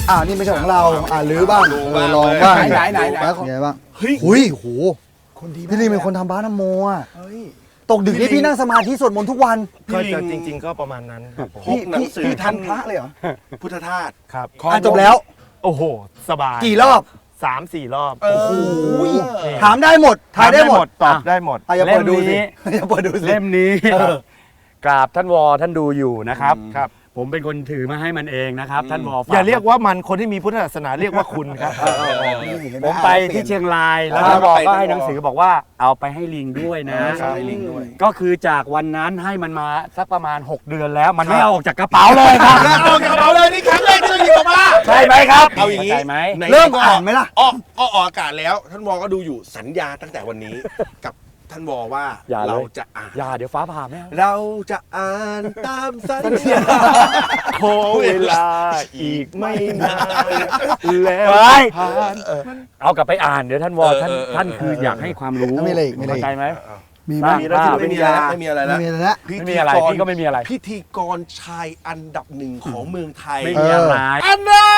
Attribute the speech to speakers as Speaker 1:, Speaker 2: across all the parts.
Speaker 1: นี่ไม่ใช่ของเราหรือบ้างลองบ้างไหนไงบ้างเฮ้ยโหพี่ลิงเป็นคนทำบ้านน้ำโมอ่ะตกดึกนี่พี่นั่งสมาธิสวดมนต์ทุกวัน
Speaker 2: ก็จริงๆก็ประมาณนั้นครับผม
Speaker 1: หนังสือทำพระเลยเหรอ
Speaker 2: พุทธทาสครับ
Speaker 1: จบแล้ว
Speaker 2: โอ้โหสบาย
Speaker 1: กี่รอบ
Speaker 2: 3-4 รอบ
Speaker 1: โอ้โหถามได้หมดทายได้หมด
Speaker 2: ตอบได้หมด
Speaker 1: อย่าเปิดดูสิอย่าเปิดดูสิ
Speaker 3: เล่มนี้กราบท่านวอท่านดูอยู่นะครับผมเป็นคนถือมาให้มันเองนะครับท่านวอ
Speaker 2: อย่าเรียกว่ามันคนที่มีพุทธศาสนาเรียกว่าคุณครับ
Speaker 3: ผมไปที่เชียงรายแล้วท่านวอก็ให้หนังสือบอกว่าเอาไปให้ลิงด้วยนะก็คือจากวันนั้นให้มันมาสักประมาณ6 เดือนแล้วมันไม่เอาออกจากกระเป๋าเลยครับ
Speaker 2: เอาออกจากกระเป๋าเลยนี่ครั้งแรกที่เราหยิบออกมา
Speaker 3: ใช่ไหมครับ
Speaker 2: เอาอย่างนี้
Speaker 1: เริ่มอ่านไหมล่ะ
Speaker 2: ออกอากาศแล้วท่านวอก็ดูอยู่สัญญาตั้งแต่วันนี้กับท่านวอว่าเราจะอ่าน
Speaker 3: เดี๋ยวฟ้าผ่าไหม
Speaker 2: เราจะอ่านตามสัญญาขอเวลาอีกไม่นานแล้วผ่าน
Speaker 3: เอากลับไปอ่านเดี๋ยวท่านวอท่านคืออยากให้ความรู้เข้าใจไหม
Speaker 2: ไม่มีอะไรแล้ว
Speaker 3: ไม่มีอะไรพี่ก็ไม่มีอะไร
Speaker 2: พิธีกรชายอันดับ1ของเมืองไทย
Speaker 3: ไม่มีอะไร
Speaker 2: อันน่ะ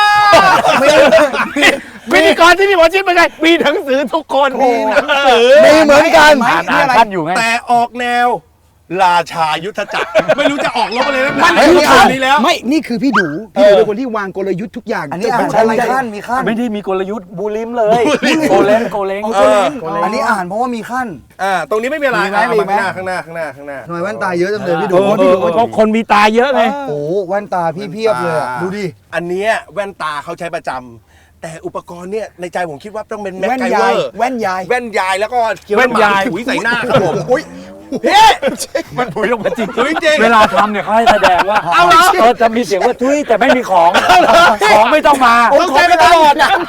Speaker 3: พิธีกรที่มีหมอชิดเป็นไงมีหนังสือทุกคน
Speaker 2: มีหนังสือ
Speaker 1: มีเหมือนกัน
Speaker 3: อ่านท่านอยู่ไง
Speaker 2: แต่ออกแนวราชายุทธจักรไม่รู้จะออกลบอะไรแล้ว
Speaker 1: มันคือขั้นนี้แล้วไม่นี่คือพี่ดูเป็นคนที่วางกลยุทธ์ทุกอย่างอันนี้มีขั้น
Speaker 3: ไม่ได้มีกลยุทธ์บูลิมเลยโกเล้ง
Speaker 1: อันนี้อ่านเพราะว่ามีขั้น
Speaker 2: ตรงนี้ไม่มีอะไรข้างหน้า
Speaker 1: ทำไมแว่นตาเยอะจังเลยพี่ดู
Speaker 3: คนมีตาเยอะไง
Speaker 1: โอ้แว่นตาพี่เพียบเลยดูดิ
Speaker 2: อันนี้แว่นตาเขาใช้ประจำแต่อุปกรณ์เนี่ยในใจผมคิดว่าต้องเป็นแม็กไกเวอร์
Speaker 1: แว่นย
Speaker 2: ายแล้วก็แว่นยายถุยใส่หน้าครับผม
Speaker 3: พี่มันถุยลงมาจริงเวลาทำเนี่ยเขาให้แสดงว่าจะมีเสียงว่าถุยแต่ไม่มีของไม่ต้องมา
Speaker 2: เข้าใจมาตลอดนะ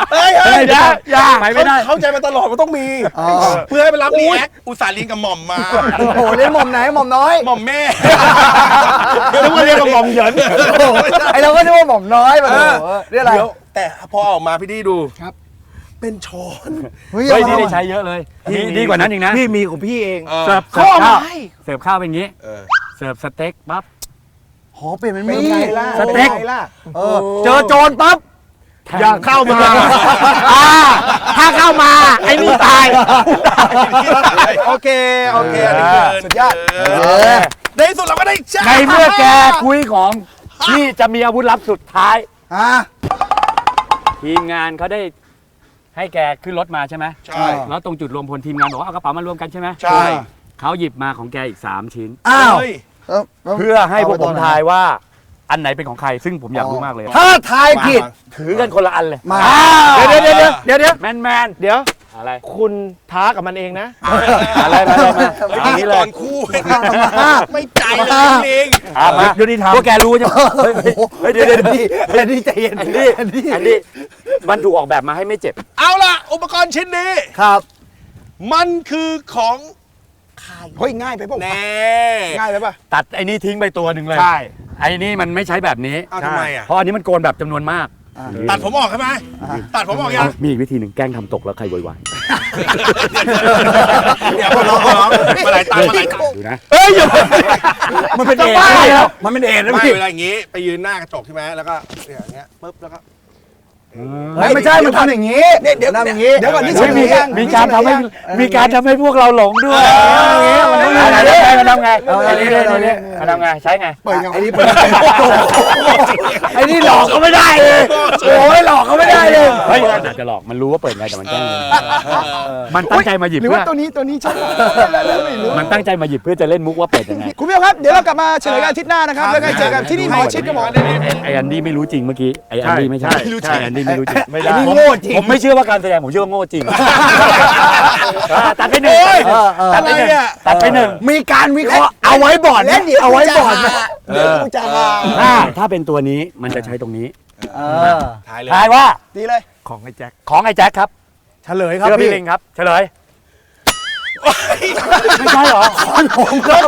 Speaker 3: ไม่ได้
Speaker 2: เข้าใจมาตลอดมันต้องมีเพื่อให้ไปรับรีแอคอุตส่าห์เรียนกับหม่อมมา
Speaker 1: โอ้โหเรียนหม่อมไหนหม่อมน้อย
Speaker 2: หม่อมแม่
Speaker 3: นึกว่าเรียนกับหม่อมเหยิน
Speaker 1: ไอเราก็นึกว่าหม่อมน้อยมาเรียกอะไร
Speaker 2: แต่พอออกมาพี่ดีดูครับเป็นช้อน
Speaker 3: เฮ้ยนี่ได้ใช้เยอะเลยดีกว่านั้นอีกนะ
Speaker 2: พี่มีของพี่เอง
Speaker 3: เสิร์ฟข้าวเป็นอย่างนี้เสิร์ฟสเต็กปั๊บ
Speaker 1: เปลี่ยนเป็นมี
Speaker 3: สเต็กเจอโจรปั๊บ
Speaker 2: อย่าเข้ามา
Speaker 3: ถ้าเข้ามาไอ้นี่ตาย
Speaker 2: โอเค
Speaker 1: สุดยอด
Speaker 2: ในสุดเราก็ได้
Speaker 3: ในเมื่อแกคุยของที่จะมีอาวุธลับสุดท้ายทีมงานเขาได้ให้แกขึ้นรถมาใช่ไหม
Speaker 2: ใช่
Speaker 3: แล้วตรงจุดรวมพลทีมงานบอกว่าเอากระเป๋ามารวมกันใช่ไหม
Speaker 2: ใช่
Speaker 3: เขาหยิบมาของแกอีก3 ชิ้นเพื่อให้พวกผมทายว่าอันไหนเป็นของใครซึ่งผมอยากรู้มากเลย
Speaker 1: ถ้าทายผิด
Speaker 3: ถือกันคนละอันเลย
Speaker 1: เดี๋ยว
Speaker 3: แมน
Speaker 2: เดี๋ยว
Speaker 3: อะไร
Speaker 2: คุณท้ากับมันเองนะ
Speaker 3: อะไรมา
Speaker 2: อย่างนี้เลยคู่ไม่ใจเลยเอง
Speaker 3: มาดูดิทำพวกแกรู้ใช่ไหมเดี๋ยว
Speaker 1: นี่ใจเย็น
Speaker 3: อันนี้มันถูกออกแบบมาให้ไม่เจ็บ
Speaker 2: เอาล่ะอุปกรณ์ชิ้นนี้
Speaker 1: ครับ
Speaker 2: มันคือของ
Speaker 1: เฮ้ยง่ายไปป่ะง่ายไปป่ะ
Speaker 3: ตัดไอ้นี่ทิ้งไปตัวหนึ่งเลย
Speaker 2: ใช่
Speaker 3: ไอ้นี่มันไม่ใช้แบบนี้
Speaker 2: ทำไมอ่ะ
Speaker 3: เพราะอันนี้มันโกนแบบจำนวนมาก
Speaker 2: ตัดผมออกใช่ไหมตัดผมออกยัง
Speaker 3: มีอีกวิธีหนึ่งแกล้งทำตกแล้วใครโวยวาย
Speaker 2: เดี๋ยวร้องมาหลายตัง
Speaker 3: ดูนะ
Speaker 1: อย่ามันเป็นเอ็นมันเป็นเอ็นนะพี่
Speaker 2: เวลาอย่างงี้ไปยืนหน้ากระจกใช่ไหมแล้วก็อย่างเงี้ยปุ๊บแล้วก็
Speaker 1: ไม่ใช่มันทำอย่างนี้เดี๋ยวทำอย่างนี้
Speaker 3: เดี๋ยวก่อนนี่มีการทำให้พวกเราหลงด้วยมันทำไงใช้ไง
Speaker 1: เปิดไอ้นี่หลอกเขาไม่ได้เลยโอ้ยหลอกเขาไม่ได้เลย
Speaker 3: เฮ้ยอาจจะหลอกมันรู้ว่าเปิดไงแต่มันแกล้งมันตั้งใจมาหยิบ
Speaker 1: หรือว่าตัวนี้ใช่
Speaker 3: มันตั้งใจมาหยิบเพื่อจะเล่นมุกว่าเปิดยังไง
Speaker 1: คุณผู้ชมครับเดี๋ยวเรากลับมาเฉลยกันอาทิตย์หน้านะครับแล้วก็เจอกันที่นี่หมอชิดกับหมอ
Speaker 3: ไอ้อันดี้ไม่รู้จริงเมื่อกี้ไอ้อันดี้ไม่ใช่อันดี้ไม่รู้จริง
Speaker 1: ไม่ได้โง่จริง
Speaker 3: ผมไม่เชื่อว่าการแสดงผมเชื่อว่าโง่จริงตัดไป1มีการวิเคราะห์เอาไว้บอร์ดเอาไว้บอร์ดถ้าเป็นตัวนี้มันจะใช้ตรงนี้ทายว่า
Speaker 1: ดีเลย
Speaker 3: ของไอ้แจ็คครับ
Speaker 1: เฉลยครับ
Speaker 3: พี่ลิงครับเฉลยไม่ใช่หรอ
Speaker 1: ผมครับ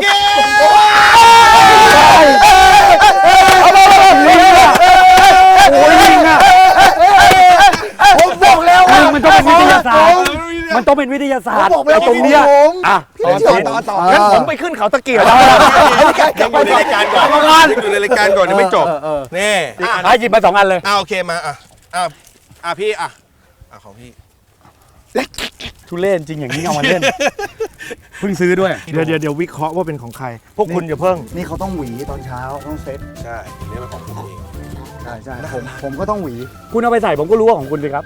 Speaker 1: โอ้ยลิงอ่ะผมบอกแล้วว่า
Speaker 3: มันต้องเป็นวิทยาศาสตร์มันต้องเป็นวิทยาศาสตร์
Speaker 1: ผมบอกไปแล้ว
Speaker 3: ตรงเนี้ย
Speaker 1: ผม
Speaker 3: อ่ะ
Speaker 2: ต่องั้นผมไปขึ้นเขาตะเกียบ
Speaker 4: ยังอยู่ในรายการก่อนยังอยู่ในรายการก่อนยังไม่จบนี่
Speaker 3: ให้หยิบมา2 อันเลย
Speaker 4: โอเคมาพี่ของพี่
Speaker 3: ทุเล่นจริงอย่างนี้เอามาเล่น เพิ่งซื้อด้วย
Speaker 2: เดี๋ยววิเคราะห์ว่าเป็นของใคร พวกคุณอย่าเพิ่ง
Speaker 1: นี่เขาต้องหวีตอนเช้าต้องเซ็ต
Speaker 4: ใช่นี่เป็นของผมเอง
Speaker 1: ใช่ผมก็ต้องหวี
Speaker 3: คุณเอาไปใส่ผมก็รู้ว่าของคุณสิครับ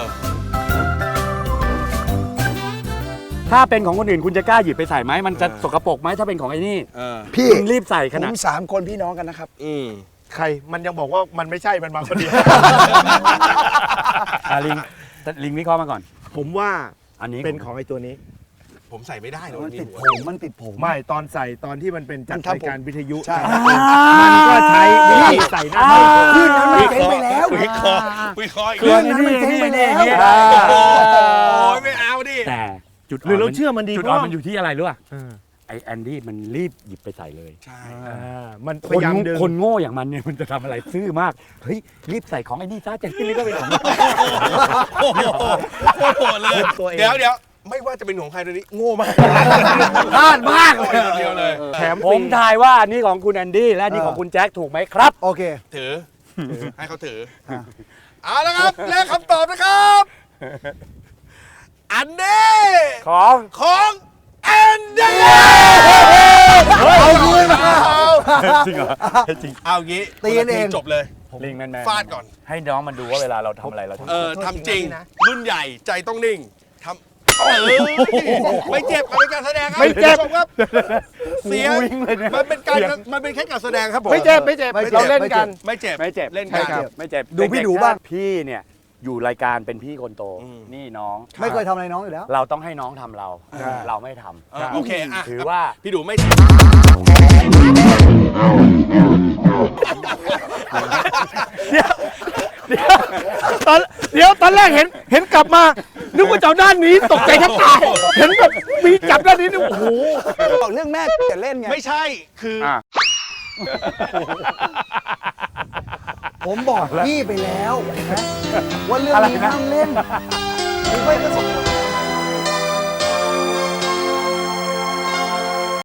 Speaker 3: ถ้าเป็นของคนอื่นคุณจะกล้าหยิบไปใส่ไหมมันจะสกปรกไหมถ้าเป็นของไอ้นี่
Speaker 1: พี่
Speaker 3: คุณรีบใส่ขนาด
Speaker 5: ผม3 คนพี่น้องกันนะครับ
Speaker 2: ใครมันยังบอกว่ามันไม่ใช่มันมาคนเดียว
Speaker 3: ลิงวิเคราะห์มาก่อน
Speaker 2: ผมว่า
Speaker 3: อันนี้
Speaker 2: เป็นของไอ้ตัวนี้
Speaker 4: ผมใส่ไม่ได้เลย
Speaker 1: มันติดผม
Speaker 2: ไม่ตอนใส่ตอนที่มันเป็นจัด
Speaker 5: มันทำ
Speaker 2: รายการวิทยุ
Speaker 5: ใช่
Speaker 2: มันก็ใช้วิธีใส่หน้า
Speaker 1: คลื่นนั้นมันเจ๊งไปแล้ว
Speaker 4: วิเคราะห์อีก
Speaker 1: คลื่นนั้นมันเจ๊งไปแล้ว
Speaker 4: โอ้ยไม่เอาดิ
Speaker 3: แต่จุด
Speaker 2: หรือเราเชื่อมันดี
Speaker 3: จุด
Speaker 2: เพ
Speaker 3: อ่อน
Speaker 2: ราะ
Speaker 3: มันอยู่ที่อะไรรู้ป่ะ
Speaker 2: เออ
Speaker 3: ไอแอนดี้มันรีบหยิบไปใส่เลย
Speaker 4: ใช่
Speaker 2: มันพ
Speaker 3: คน
Speaker 2: ยายามดึง
Speaker 3: คนโง่อย่างมันเนี่ยมันจะทำอะไรซื่อมากเฮ้ยรีบใส่ของไอ้นี่ซะจะรีบก็เป็นของ
Speaker 4: โอ้โหเลยเดี๋ยวไม่ว่าจะเป็นของใครตัวนี้โง่มาก
Speaker 3: พลาดมาก
Speaker 4: เดียวเลย
Speaker 2: แถม
Speaker 3: ผมทายว่าอันนี้ของคุณแอนดี้และอันนี้ของคุณแจ็คถูกไหมครับ
Speaker 1: โอเค
Speaker 4: ถือให้เขาถือเอาละครับและคำตอบนะครับอันนี้ ของแอนดี้
Speaker 1: เอาคืนมา
Speaker 3: จริงเหรอจริง
Speaker 4: เอางี้
Speaker 1: ตีกันเอง
Speaker 4: จบเลย
Speaker 3: ลิงแมน
Speaker 4: ฟาดก่อน
Speaker 3: ให้น้องมันดูว่าเวลาเราทำอะไรเราทำ
Speaker 4: ทำจริง รุ่นใหญ่ใจต้องนิ่งทำไม่เจ็บกับเป็นการแสดงครับ
Speaker 2: ไม่เจ็บ
Speaker 4: คุณผู้ชครับเสียง
Speaker 3: วิ่งเลยเนี่ย
Speaker 4: มันเป็นแค่การแสดงครับผม
Speaker 2: ไม่เจ็บไม่เจ็บ
Speaker 1: ไม่เจ็บ
Speaker 2: เราเล่นกัน
Speaker 4: ไม่เจ็บ
Speaker 3: ไม่เจ็บ
Speaker 4: เล่น
Speaker 3: ใช่
Speaker 4: กัน
Speaker 3: ครับไม่เจ็บ
Speaker 1: ดูพี่ดูบ้าง
Speaker 3: พี่เนี่ยอยู่รายการเป็นพี่คนโต นี่น้อง
Speaker 1: ไม่เคยทำอะไรน้องอยู่แล้ว
Speaker 3: เราต้องให้น้องทำเรา เราไม่ทำ
Speaker 4: โอเคอ่ะ
Speaker 3: ถือว่า
Speaker 4: พี่ดูไม่
Speaker 2: เดี๋ยวตอนแรกเห็นกลับมา นึกว่าจะเอาด้านนี้ตกใจแทบตายเห็นแบบมีจับด้านนี้นี่โอ้โห
Speaker 5: บอกเรื่องแม่จะเล่นไง
Speaker 4: ไม่ใช่คือ
Speaker 1: ผมบอกพี่ไปแล้วนะว่าเรื่องนี้ห้ามเล่นผมไม่ประสบ